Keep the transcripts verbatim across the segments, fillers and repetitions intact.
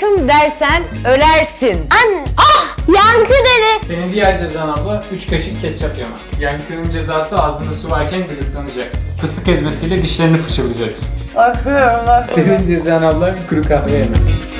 aşkım dersen ölersin. Anne. Ah! Yankı dedi. Senin diğer cezan abla üç kaşık ketçap yemek. Yankı'nın cezası ağzında su varken gıdıklanacak. Fıstık ezmesiyle dişlerini fırçalayacaksın. Senin cezan abla bir kuru kahve yemek.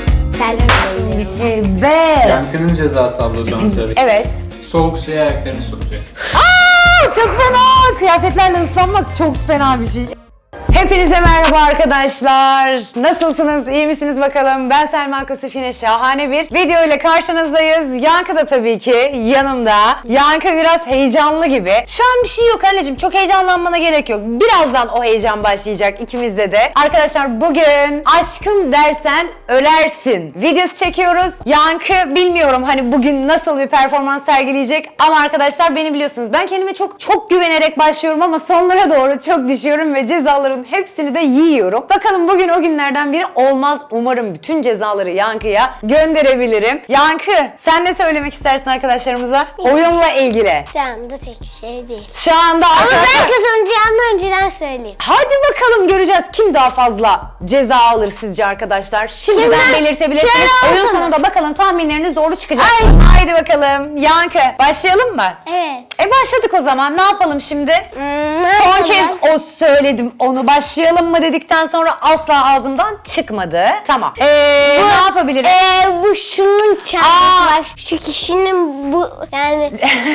Be. Yankı'nın cezası abla o zaman söyle. Evet. Soğuk suya ayaklarını sokacak. Aa, çok fena. Kıyafetlerle ıslanmak çok fena bir şey. Hepinize merhaba arkadaşlar. Nasılsınız? İyi misiniz bakalım? Ben Selma Kosif, yine şahane bir video ile karşınızdayız. Yankı da tabii ki yanımda. Yankı biraz heyecanlı gibi. Şu an bir şey yok anneciğim. Çok heyecanlanmana gerek yok. Birazdan o heyecan başlayacak ikimizde de. Arkadaşlar bugün aşkım dersen ölersin videosu çekiyoruz. Yankı bilmiyorum hani bugün nasıl bir performans sergileyecek ama arkadaşlar beni biliyorsunuz. Ben kendime çok çok güvenerek başlıyorum ama sonlara doğru çok düşüyorum ve cezaların hepsini de yiyorum. Bakalım bugün o günlerden biri olmaz. Umarım bütün cezaları Yankı'ya gönderebilirim. Yankı, sen ne söylemek istersin arkadaşlarımıza? Oyunla ilgili. Şu anda pek şey değil. Şu anda Ama arkadaşlar... ben kazanacağımı önceden söyleyeyim. Hadi bakalım göreceğiz kim daha fazla ceza alır sizce arkadaşlar. Şimdiden Kimden? belirtebilirsiniz. Şöyle Oyun olsana. sonunda bakalım tahminleriniz doğru çıkacak. Ay. Haydi bakalım. Yankı, başlayalım mı? Evet. E başladık o zaman. Ne yapalım şimdi? Hmm, ne Son yapalım? kez o söyledim onu. Başlayalım mı dedikten sonra asla ağzımdan çıkmadı. Tamam. Ee, Bu- ne yapabiliriz? Ee, bu şunun çantası. Aa. Bak şu kişinin bu yani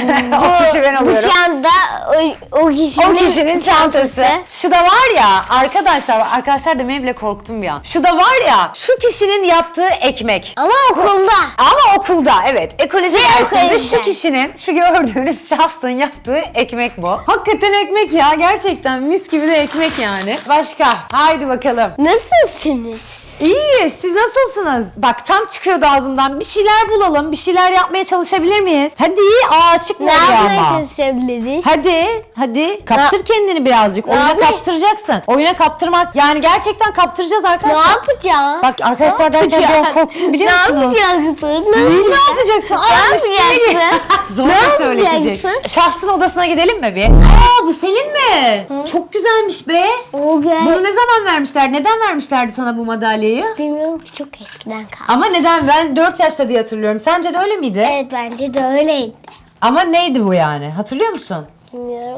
O kişi ben bu oluyorum. çanta o, o kişinin, O kişinin çantası. Şu da var ya arkadaşlar, arkadaşlar demeye bile korktum bir an. Şu da var ya, şu kişinin yaptığı ekmek. Ama okulda. Ama okulda, evet. Ekoloji Ne dersinde okulda? şu kişinin, şu gördüğünüz şahsın yaptığı ekmek bu. Hakikaten ekmek ya, gerçekten mis gibi de ekmek yani. Başka, haydi bakalım. Nasılsınız? İyi, siz nasılsınız? Bak tam çıkıyordu ağzımdan. Bir şeyler bulalım, bir şeyler yapmaya çalışabilir miyiz? Hadi, aa Ne çıkmadı yapmaya ama. çalışabiliriz? Hadi, hadi kaptır kendini birazcık. Oyuna yapayım? kaptıracaksın. Oyuna kaptırmak, yani gerçekten kaptıracağız Ne arkadaşlar. yapacağım? Bak arkadaşlar derken bir an korktum biliyor Ne musunuz? yapacaksın? Ne, ne yapacaksın? Aa, Ne üstüne gir. yapacaksın? Zorla Ne söyleyecek. yapacaksın? Şahsın odasına gidelim mi bir? Aa, bu senin mi? Çok güzelmiş be. O gel. Bunu ne zaman vermişler? Neden vermişlerdi sana bu madalyayı? Bilmiyorum ki, çok eskiden kaldı. Ama neden? Ben dört yaşta diye hatırlıyorum. Sence de öyle miydi? Evet, bence de öyleydi. Ama neydi bu yani? Hatırlıyor musun? Bilmiyorum.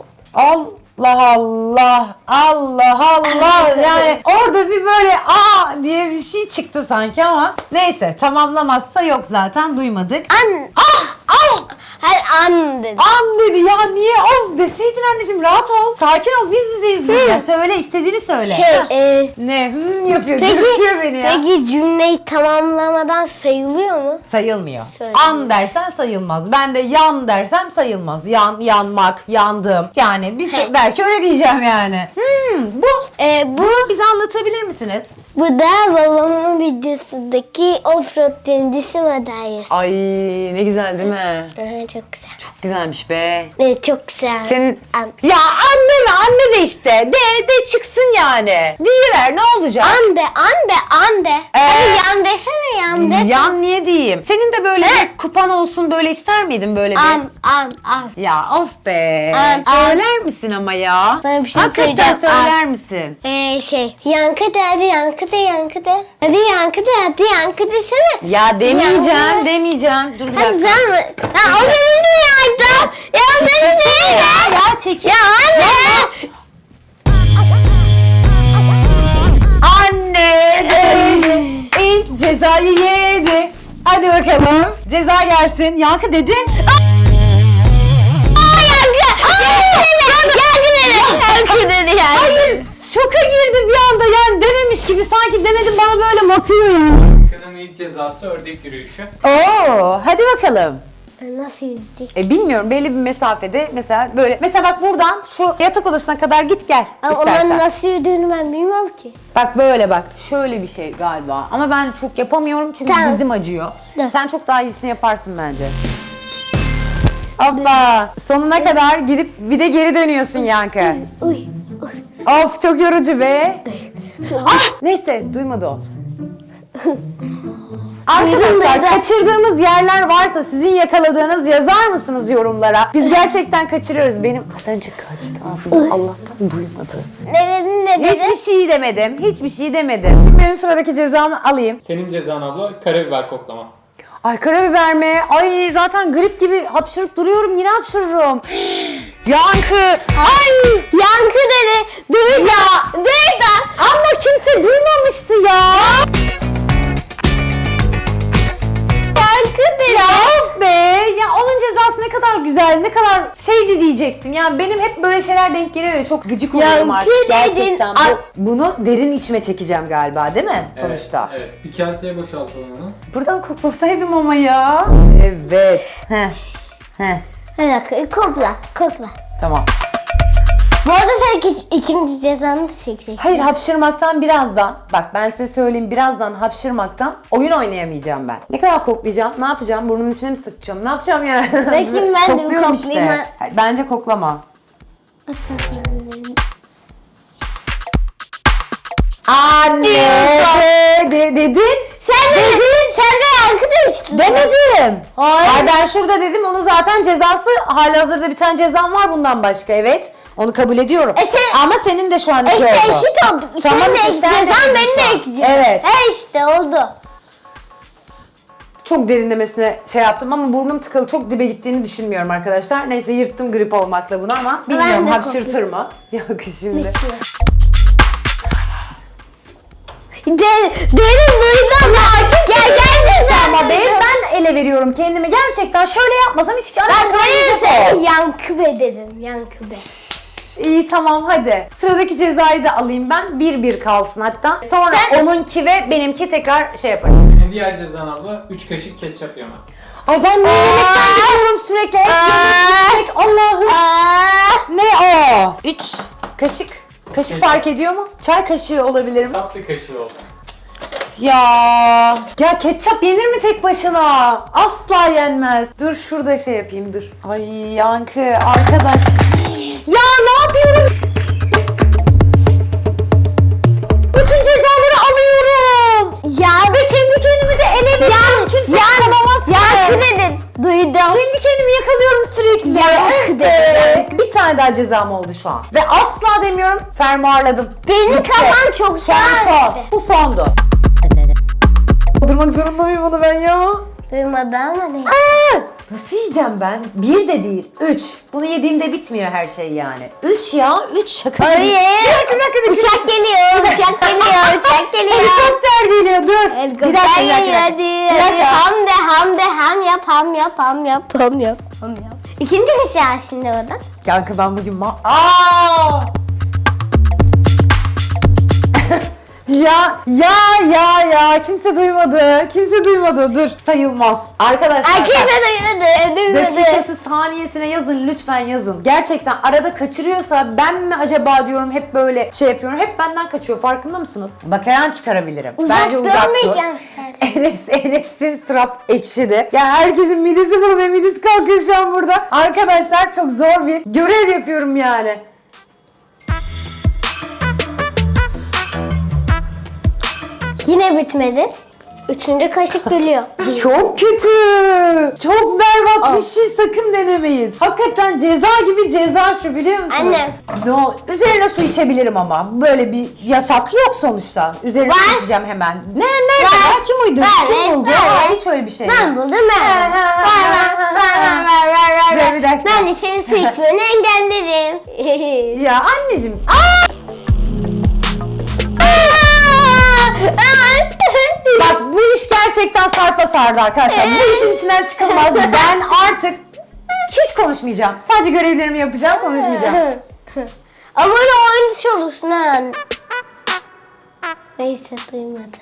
Allah Allah, Allah Allah, yani orada bir böyle aa diye bir şey çıktı sanki ama neyse, tamamlamazsa yok zaten, duymadık. An. Ah ah Her an dedi. an dedi ya, niye of deseydin anneciğim, rahat ol, sakin ol, biz bize izleyeceğiz. Söyle, istediğini söyle. Şey, e, Ne hmm yapıyor, peki, dürtüyor beni ya. peki cümleyi tamamlamadan sayılıyor mu? Sayılmıyor. Sayılmıyor. An dersen sayılmaz. Ben de yan dersem sayılmaz. Yan, yanmak, yandım. Yani biz He. belki öyle diyeceğim yani. Hmm, bu. E, bu, Bunu bize anlatabilir misiniz? bu da babamın videosundaki offroad birincisi madalyası. Ay ne güzel değil mi? Aha, çok güzel. Çok güzelmiş be. Evet, çok güzel. Senin... An. Ya anne mi? Anne de işte. De de çıksın yani. Diyiver, ne olacak? Ande, ande, ande. Hadi yan desene, yan desene. Yan niye diyeyim? Senin de böyle He. bir kupan olsun, böyle ister miydin böyle bir? An, an, an. Ya of be. An, an. Söyler misin ama ya? Sana bir şey Hakikaten söyleyeceğim. söyler An. misin? Ee, şey, yankı de, hadi yankı de, yankı de. Hadi yankı de, hadi yankı desene. Ya demeyeceğim, Ya. demeyeceğim. Dur bir Hadi dakika. ben mi? Ha, o benim de yaydı. Ya benim değil Ya, ya. ya çekil. Ya anne. Anne de ilk cezayı yedi. Hadi bakalım. Ceza gelsin. Yankı dedi. Aa, yankı. Yankı dedi. Yankı dedi yani. Hayır. Şoka girdi bir anda, yani dememiş gibi, sanki demedim, bana böyle bakıyor ya. Yankı'nın ilk cezası ördek yürüyüşü. Oo, hadi bakalım. Nasıl yüzecek? E bilmiyorum, belli bir mesafede mesela böyle. Mesela bak buradan şu yatak odasına kadar git gel Ama istersen. onun nasıl yürüdüğünü ben bilmiyorum ki. Bak böyle bak. Şöyle bir şey galiba. Ama ben çok yapamıyorum çünkü Tamam. dizim acıyor. Dur. Sen çok daha iyisini yaparsın bence. Hoppa. Sonuna kadar gidip bir de geri dönüyorsun Yankı. Uy, uy. Of çok yorucu be. Ah, neyse duymadı o. Arkadaşlar Duydum. kaçırdığımız yerler varsa sizin yakaladığınız yazar mısınız yorumlara? Biz gerçekten kaçırıyoruz. Benim az önce kaçtı ağzımdan, Allah'tan duymadı. Ne dedin, ne dedi? Hiçbir şey demedim. Hiçbir şey demedim. Şimdi benim sıradaki cezamı alayım. Senin cezan abla karabiber koklama. Ay karabiber mi? Ay zaten grip gibi hapşırıp duruyorum. Yine hapşırırım. Yankı. Ay. Yankı dedi. Duydu. Duydu. Ama kimse duymamıştı ya. Yankı dedi. Ya of be. Ya onun cezası ne kadar güzel, ne kadar şeydi diyecektim. Yani benim hep böyle şeyler denk geliyor ya. Çok gıcık oluyorum Yankı artık. dedin. Gerçekten. Ay. Bu, bunu derin içime çekeceğim galiba değil mi? Sonuçta. Evet, evet. Bir kaseye boşaltalım onu. Buradan koklasaydım ama ya. Evet. Heh. Heh. Bir dakika kokla kokla. Tamam. Bu arada sen iki, ikinci cezanı da çekeceksin. Hayır hapşırmaktan birazdan, bak ben size söyleyeyim birazdan hapşırmaktan oyun oynayamayacağım ben. Ne kadar koklayacağım, ne yapacağım, burnun içine mi sıkacağım, ne yapacağım yani? Bakayım ben de bir Kokluyorum koklayayım işte. Hayır, bence koklama. Anne de, de, dedin. Sen de dedin. Sen de yankı demiştin. Demedim. Hayır. Hayır ben şurada dedim, onun zaten cezası halihazırda bir tane cezam var bundan başka, evet. Onu kabul ediyorum. E sen- Ama senin de şu an iki İşte oldu. eşit olduk. Tamam, Sen de işte sen de ekleyeceksin, dedin ben şu de an. ekleyeceğim. Evet. E işte oldu. Çok derinlemesine şey yaptım ama burnum tıkalı, çok dibe gittiğini düşünmüyorum arkadaşlar. Neyse yırttım grip olmakla bunu ama bilmiyorum de hapşırtır mı? Yok şimdi. De, derin duydum ya. Gel gel sen. Ama be, ben ele veriyorum kendimi. Gerçekten şöyle yapmasam hiç Ben alakam derin yok. sen yankı be dedim. Yankı be. İyi tamam hadi. Sıradaki cezayı da alayım ben. Bir bir kalsın hatta. Sonra Sen- onunki ve benimki tekrar şey yaparız. Senin diğer cezan abla üç kaşık ketçap yeme. Ay ben ne yemekten gidiyorum sürekli. Hep yemek, yemek. Allah'ım. Aa, Ne o? Üç kaşık. Kaşık Ketçap. fark ediyor mu? Çay kaşığı olabilir mi? Tatlı kaşığı olsun. Ya ya ketçap yenir mi tek başına? Asla yenmez. Dur şurada şey yapayım dur. Ay Yankı arkadaş. Ya ne yapıyorum? Bütün cezaları alıyorum. ya Ve kendi kendimi de ele veriyorum. Kimse yakalamaz ki. yankı dedin. Duydum. Kendi kendimi yakalıyorum sürekli. Yankı Eh dedin. be. Bir tane daha cezam oldu şu an. Ve asla demiyorum, fermuarladım. Benim Bitti. kafam çok Şu an son. şahane. Bu sondu. Doldurmak zorunda mıyım onu ben ya? Duymadı ama ne? Aa! Nasıl yiyeceğim ben? Bir de değil, üç. Bunu yediğimde bitmiyor her şey yani. Üç ya, üç şaka gibi. Hayır. Bir dakika, bir dakika, bir dakika. Uçak geliyor, uçak geliyor, uçak geliyor. Helikopter geliyor, dur. Helikopter bir dakika, bir dakika. geliyor, hadi, Bir hadi. dakika. Ham de, ham de, ham yap, ham yap, ham yap, ham yap, ham yap. İkinci kaşığı şimdi orada. Kanka ben bugün ma... Aa! Ya ya ya ya kimse duymadı. Kimse duymadı. Dur sayılmaz. Arkadaşlar. Ay kimse duymadı, duymadı. Dakikası saniyesine yazın lütfen yazın. Gerçekten arada kaçırıyorsa ben mi acaba diyorum, hep böyle şey yapıyorum. Hep benden kaçıyor, farkında mısınız? Bak her an çıkarabilirim. Uzak Bence uzak dur. durmayacağım sen. Enes, Enes'in surat ekşidi. Ya herkesin midesi bulanıyor, midesi kalkıyor şu an burada. Arkadaşlar çok zor bir görev yapıyorum yani. Yine bitmedi. Üçüncü kaşık geliyor. Çok kötü. Çok berbat bir Of. şey, sakın denemeyin. Hakikaten ceza gibi ceza şu, biliyor musunuz? Anne. No, üzerine su içebilirim ama böyle bir yasak yok sonuçta. Üzerine su Var. içeceğim hemen. Ne ne Var. ne? Kim uydu? Var, Kim buldu? var, Ya, var. hiç öyle bir şey Ben yok. buldum ben. Ha, ha, Ver, ha, ver, ha, ver, ha. ver, ver, ver, ver. Dur, bir dakika. Ben de senin su içmeni engellerim. Ya anneciğim. Aa! Bak bu iş gerçekten sarpa sardı arkadaşlar. Bu işin içinden çıkılmaz. Ben artık hiç konuşmayacağım. Sadece görevlerimi yapacağım, konuşmayacağım. Ama öyle oyun dışı olursun ha. Neyse duymadı.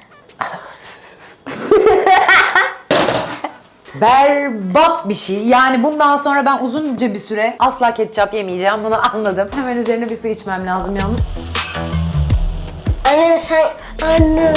Berbat bir şey. Yani bundan sonra ben uzunca bir süre asla ketçap yemeyeceğim. Bunu anladım. Hemen üzerine bir su içmem lazım yalnız. Annem sen... Annem...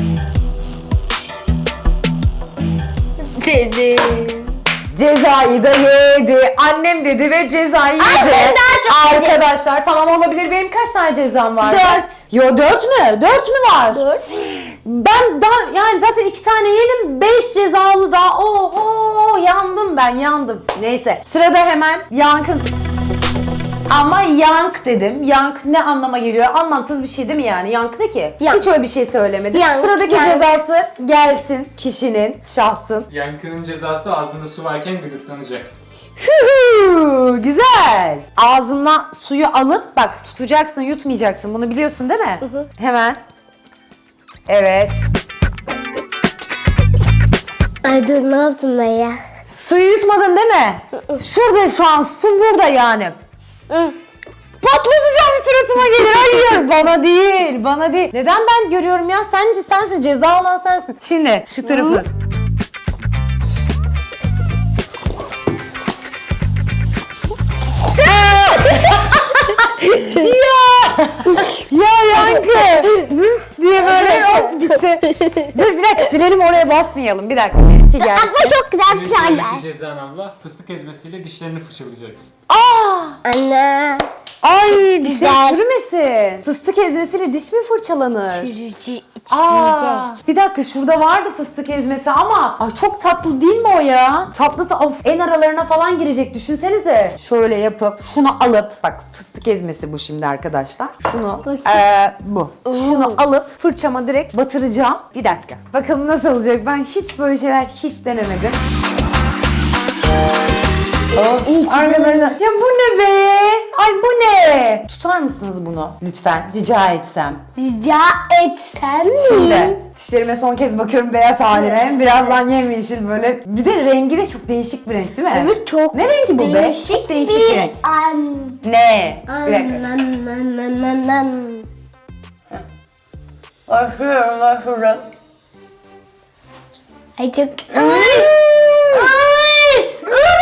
Dedi. Cezayı da yedi. Annem dedi ve cezayı yedi. Ay, ben daha çok Arkadaşlar tamam olabilir. Benim kaç tane cezam var? Dört. Yo dört mü? Dört mü var? Dur. Ben daha yani zaten iki tane yedim. Beş cezalı daha. Oho yandım ben yandım. Neyse sırada hemen Yankın. Ama yank dedim. Yank ne anlama geliyor? Anlamsız bir şey değil mi yani? Yank ne ki? Yank. Hiç öyle bir şey söylemedim. Yank, Sıradaki yank. cezası gelsin kişinin, şahsın. Yankının cezası ağzında su varken gıdıklanacak. Hühü, güzel. Ağzından suyu alıp bak tutacaksın, yutmayacaksın. Bunu biliyorsun değil mi? Hemen. Evet. Ay dur ne yaptım ben ya? Suyu yutmadın değil mi? Şurada şu an su burada yani. Hı. Patlatacağım suratıma gelir. Hayır bana değil, bana değil. Neden ben görüyorum ya? Sence sensin, ceza olan sensin. Şimdi şu tarafı. ya ya Yankı diye böyle hop gitti. Dur bir dakika silelim oraya basmayalım. Bir dakika. Benimki gelsin. Aslında çok güzel Senin bir şey sıradaki var. cezan abla fıstık ezmesiyle dişlerini fırçalayacaksın. Aa! Anne. Ay dişler Güzel. çürümesin. Fıstık ezmesiyle diş mi fırçalanır? Çürücü Aa, bir dakika şurada vardı fıstık ezmesi ama ay çok tatlı değil mi o ya? Tatlı da of en aralarına falan girecek düşünsenize. Şöyle yapıp şunu alıp bak fıstık ezmesi bu şimdi arkadaşlar. Şunu Bakayım. eee, bu. Şunu alıp fırçama direkt batıracağım. Bir dakika. Bakalım nasıl olacak? Ben hiç böyle şeyler hiç denemedim. İyi ki Aralarına. Ya bu ne be? Ay bu ne? Tutar mısınız bunu lütfen? Rica etsem. Rica etsem mi? Şimdi dişlerime son kez bakıyorum beyaz haline. Birazdan yemyeşil böyle. Bir de rengi de çok değişik bir renk değil mi? Evet çok Ne rengi bu be? değişik Çok değişik bir bir renk. an. Ne? Bir An, dakika. an, an, an, an, an. Bakıyorum bakıyorum. Ay çok... Ay! Ay!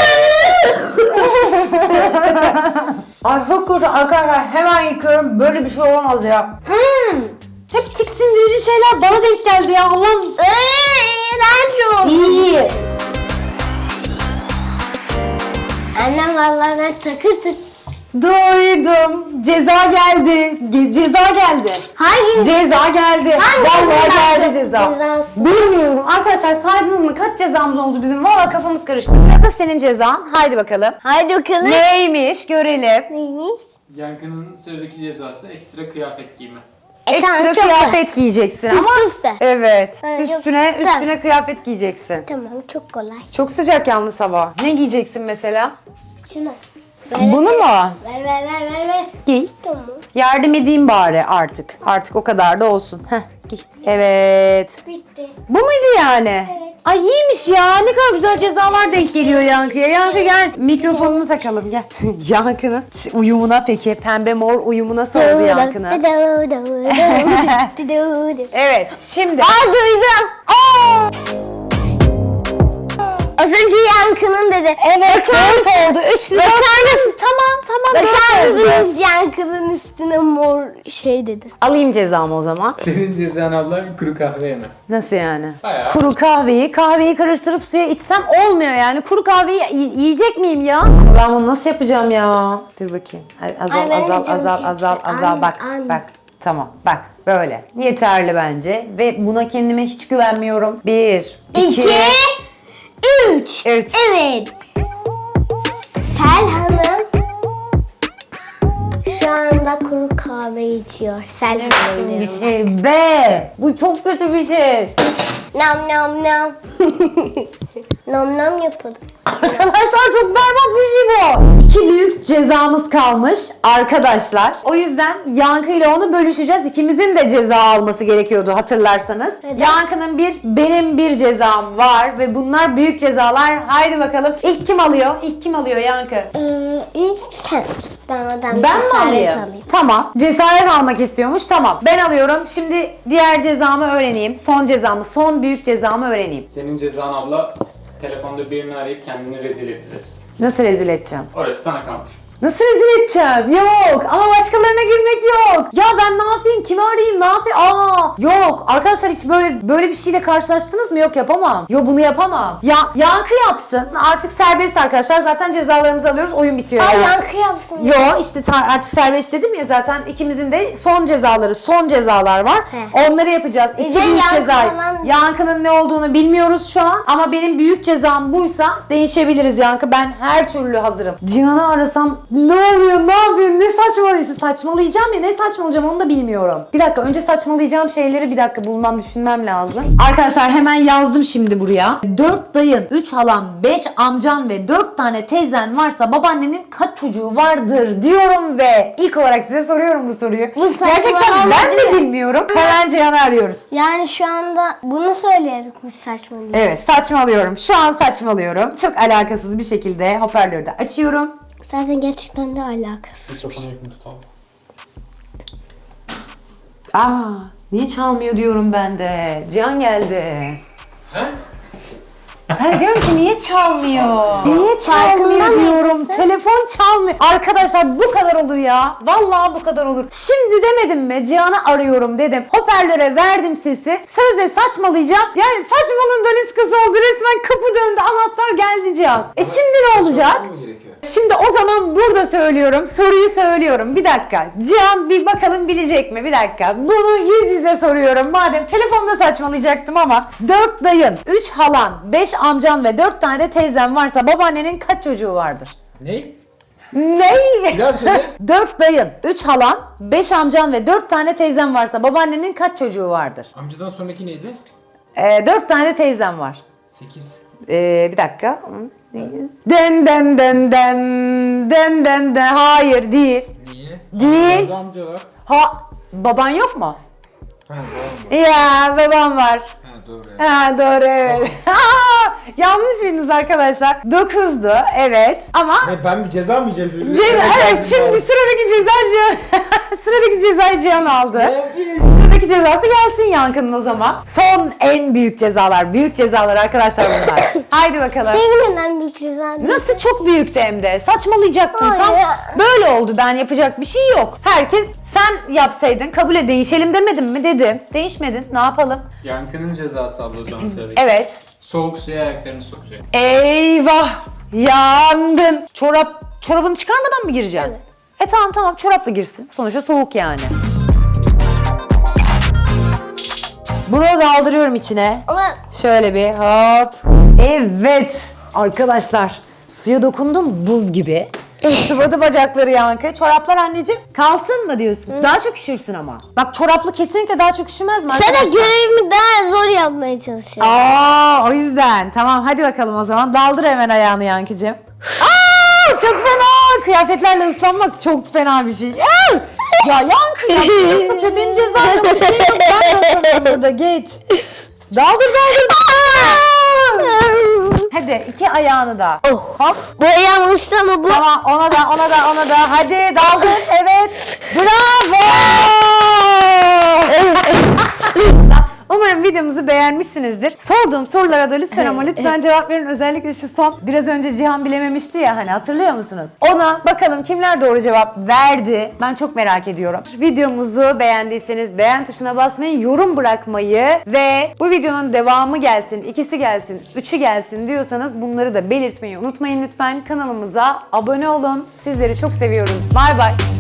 Ay çok kötü arkadaşlar hemen yıkıyorum. Böyle bir şey olamaz ya. Hmm. Hep tiksindirici şeyler bana denk geldi ya. Allah'ım. Ay, iğrenç oldu. İyi. Annem vallahi ben takır tık. Duydum. Ceza geldi. Ge- ceza geldi. Hangi? Ceza geldi. Hangisi Vallahi geldi? geldi ceza. Cezası. Bilmiyorum. Arkadaşlar saydınız mı? Kaç cezamız oldu bizim? Vallahi kafamız karıştı. Sırada senin cezan. Haydi bakalım. Haydi bakalım. Neymiş? Görelim. Neymiş? Yankının sıradaki cezası ekstra kıyafet giyme. E, tamam, Ekstra çok kıyafet giyeceksin Üst ama üste. evet. Ha, yok. Üstüne Tamam. üstüne kıyafet giyeceksin. Tamam çok kolay. Çok sıcak yalnız hava. Ne giyeceksin mesela? Şunu. Ver, Bunu mu? Ver ver ver ver ver. Giy. Tamam. Yardım edeyim bari artık. Artık o kadar da olsun. Heh, giy. Evet. Bitti. Bu muydu yani? Evet. Ay iyiymiş ya. Ne kadar güzel cezalar denk geliyor Yankı'ya. Yankı gel. Mikrofonunu takalım gel. Yankı'nın uyumuna peki. Pembe mor uyumu nasıl oldu Yankı'nın? Evet şimdi. Aa duydum. Aa! Az önce Yankı'nın dedi. Evet dört oldu. Üçlü dört. Bakar mısın? Tamam tamam. Bakar dört oldu. mısınız Yankı'nın üstüne mor şey dedi. Alayım cezamı o zaman. Senin cezan abla bir kuru kahve yeme. Nasıl yani? Bayağı. Kuru kahveyi, kahveyi karıştırıp suya içsem olmuyor yani. Kuru kahveyi y- yiyecek miyim ya? Ama ben bunu nasıl yapacağım ya? Dur bakayım. Hadi azal, Ay, ben azal, de canım azal, çekti. azal, azal. An, Bak, an. bak. Tamam, bak. Böyle. Yeterli bence. Ve buna kendime hiç güvenmiyorum. Bir, iki, İki, üç. üç. Evet. Sel Hanım şu anda kuru kahve içiyor. Sel Hanım Bir diyorum. şey be. Bu çok kötü bir şey. Nam nam nam. Nam nam yapalım. Arkadaşlar çok berbat bir şey bu. İki büyük cezamız kalmış arkadaşlar. O yüzden Yankı ile onu bölüşeceğiz. İkimizin de ceza alması gerekiyordu hatırlarsanız. Neden? Yankı'nın bir, benim bir cezam var ve bunlar büyük cezalar. Haydi bakalım. İlk kim alıyor? İlk kim alıyor Yankı? Ee, ilk sen. Ben oradan Ben mi cesaret alayım? alayım. Tamam. Cesaret almak istiyormuş. Tamam. Ben alıyorum. Şimdi diğer cezamı öğreneyim. Son cezamı, son büyük cezamı öğreneyim. Senin cezan abla telefonda birini arayıp kendini rezil edeceksin. Nasıl rezil edeceğim? Orası sana kalmış. Nasıl rezil edeceğim? Yok. Ama başkalarına girmek yok. Ya ben ne yapayım? Kimi arayayım? Ne yapayım? Aa, yok. Arkadaşlar hiç böyle böyle bir şeyle karşılaştınız mı? Yok yapamam. Yok bunu yapamam. Ya Yankı yapsın. Artık serbest arkadaşlar. Zaten cezalarımızı alıyoruz. Oyun bitiyor Ay yani. Yankı yapsın. Yo işte ta- artık serbest dedim ya zaten ikimizin de son cezaları, son cezalar var. He. Onları yapacağız. İki de büyük Yankı ceza. falan- Yankı'nın ne olduğunu bilmiyoruz şu an ama benim büyük cezam buysa değişebiliriz Yankı. Ben her türlü hazırım. Cihan'ı arasam Ne oluyor? Ne yapıyorsun? Ne saçmalıyorsun? Saçmalayacağım ya. Ne saçmalayacağım onu da bilmiyorum. Bir dakika. Önce saçmalayacağım şeyleri bir dakika bulmam, düşünmem lazım. Arkadaşlar hemen yazdım şimdi buraya. dört dayın, üç halan, beş amcan ve dört tane teyzen varsa babaannenin kaç çocuğu vardır diyorum ve ilk olarak size soruyorum bu soruyu. Bu saçmalama Gerçekten ben değil de mi? bilmiyorum. Hemen Cihan'ı arıyoruz. Yani şu anda bunu söyleyerek mi saçma değil? Evet, saçmalıyorum. Şu an saçmalıyorum. Çok alakasız bir şekilde hoparlörü de açıyorum. Zaten gerçekten de alakası. Mikrofonu yakın tutalım. Aa, niye çalmıyor diyorum ben de. Cihan geldi. He? Ben diyorum ki niye çalmıyor? Niye çalmıyor Farkında diyorum. mısın? Telefon çalmıyor. Arkadaşlar bu kadar olur ya. Vallahi bu kadar olur. Şimdi demedim mi? Cihan'ı arıyorum dedim. Hoparlöre verdim sesi. Sözde saçmalayacağım. Yani saçmalığın daniskası oldu. Resmen kapı döndü. Anahtar geldi Cihan. E şimdi ne olacak? Şimdi o zaman burada söylüyorum. Soruyu söylüyorum. Bir dakika. Cihan bir bakalım bilecek mi? Bir dakika. Bunu yüz yüze soruyorum. Madem telefonda saçmalayacaktım ama. dört dayın, üç halan, beş amcan ve dört tane de teyzen varsa babaannenin kaç çocuğu vardır? Ne? Ne? Bir daha söyle. dört dayın, üç halan, beş amcan ve dört tane teyzen varsa babaannenin kaç çocuğu vardır? Amcadan sonraki neydi? Ee, dört tane de teyzen var. sekiz. Ee, bir dakika. Den den den den den den den. Hayır değil. Niye? Değil. Amca, amca var. Ha, baban yok mu? Ha doğru. Ya babam var. Ha doğru. Ha doğru evet. Yanlış bildiniz arkadaşlar. dokuzdu evet ama Ne, ben bir ceza mı yiyeceğim? Ce- evet şimdi sıradaki ceza Cihan sıradaki cezayı Cihan aldı. Ne yapayım? Sıradaki cezası gelsin Yankı'nın o zaman. Son en büyük cezalar. Büyük cezalar arkadaşlar bunlar. Haydi bakalım. Sevgi neden büyük ceza değil? Nasıl çok büyüktü hem de. Saçmalayacaktım tam. Hayır. Böyle oldu. Ben yapacak bir şey yok. Herkes sen yapsaydın kabul et değişelim demedim mi dedim. Değişmedin. Ne yapalım? Yankı'nın cezası abla o zaman sıradaki. Evet. Soğuk suya ayaklarını sokacak. Eyvah. Yandın. Çorap çorabını çıkarmadan mı gireceksin? Evet. E tamam tamam çorapla girsin. Sonuçta soğuk yani. Bunu daldırıyorum içine. Ama Şöyle bir hop. Evet. Arkadaşlar suya dokundum buz gibi. Sıvadı bacakları Yankı. Çoraplar anneciğim kalsın mı diyorsun? Daha çok üşürsün ama. Bak çoraplı kesinlikle daha çok üşümez mi sen arkadaşlar? de görevimi daha zor yapmaya çalışıyorsun. Aa o yüzden. Tamam hadi bakalım o zaman. Daldır hemen ayağını Yankıcığım. Aa çok fena. Kıyafetlerle ıslanmak çok fena bir şey. Aa! Ya Yankı ya. Nasıl saçıyor? Benim cezam yok bir şey yok. Ben de ıslanıyorum burada geç. Daldır daldır. Hadi iki ayağını da. Oh. Hop. Bu yanlıştı ama bu. Tamam ona da ona da ona da. Hadi daldır. Evet. Bravo. Umarım videomuzu beğenmişsinizdir. Sorduğum sorulara da lütfen ama lütfen cevap verin. Özellikle şu son. Biraz önce Cihan bilememişti ya hani hatırlıyor musunuz? Ona bakalım kimler doğru cevap verdi. Ben çok merak ediyorum. Videomuzu beğendiyseniz beğen tuşuna basmayı, yorum bırakmayı ve bu videonun devamı gelsin, ikisi gelsin, üçü gelsin diyorsanız bunları da belirtmeyi unutmayın lütfen. Kanalımıza abone olun. Sizleri çok seviyoruz. Bay bay.